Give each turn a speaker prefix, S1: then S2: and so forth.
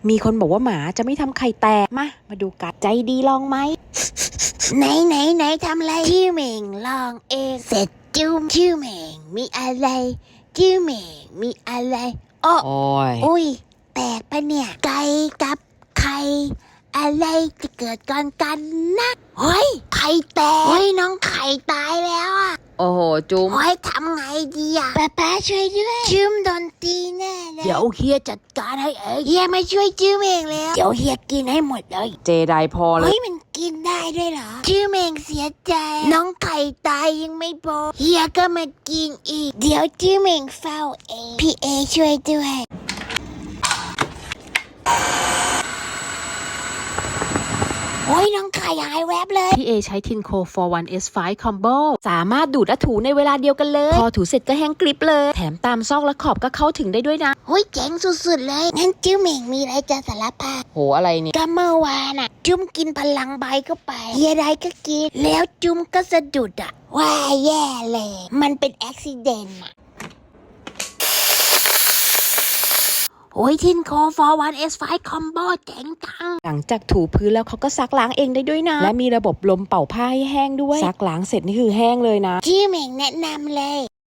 S1: มีคนบอกว่าหมาจะไม่ทำไข่แตกมาดูกันใจดีลองไหม
S2: ไหนทำอะไรชื่อเหม่งลองเองเสร็จจุ้มชื่อเหม่งมีอะไรชื่อเหม่งมีอะไรอ้อ
S1: โอ้ย
S2: อุ้ยแตกปะเนี่ยไก่กับไข่อะไรจะเกิดก่อนกันนะเฮ้ยไข่แตกเฮ้ยน้องไข่ตายแล้วอ่ะ
S1: โอ้โหจุ๋ม
S2: เฮ้ยทำไงดีอ่ะป้าช่วยด้วยชื่มโดนตีแน่เลยเดี๋ยวเฮียจัดการให้เองเฮียมาช่วยชื่อเหม่งแล้วเดี๋ยวเฮียกินให้หมดเลย
S1: เจไดพอเลย
S2: เฮ้ยมันกินได้ด้วยเหรอชื่อเมงเสียใจน้องไข่ตายยังไม่พอเฮียก็มากินอีกเดี๋ยวชื่อเมงเฝ้าเองพี่เอช่วยด้วยโอ้ยน้องไข่หายแวบเลย
S1: พี่เอใช้ทินโค 41S5 Combo สามารถดูดและถูในเวลาเดียวกันเลยพอถูเสร็จก็แห้งกริบเลยแถมตามซอกและขอบก็เข้าถึงได้ด้วยนะ
S2: โอ้ยเจ๋งสุดๆเลยงั้นชื่อเมงมีอะไรจะสารภาพ
S1: โหอะไรเนี่ย
S2: ก็เมื่อวานน่ะจุ้มกินพลังใบเข้าไปเฮียไรก็กินแล้วจุ้มก็สะดุดอ่ะว่าแย่เลยมันเป็นอุบิเหตุอ่ะโอ้ยทินโค41S5 Combo เจ๋งจัง
S1: หลังจากถูพื้นแล้วเขาก็ซักล้างเองได้ด้วยนะและมีระบบลมเป่าผ้าให้แห้งด้วยซักล้างเสร็จนี่คือแห้งเลยนะ
S2: ชื่อเหม่งแนะนำเลย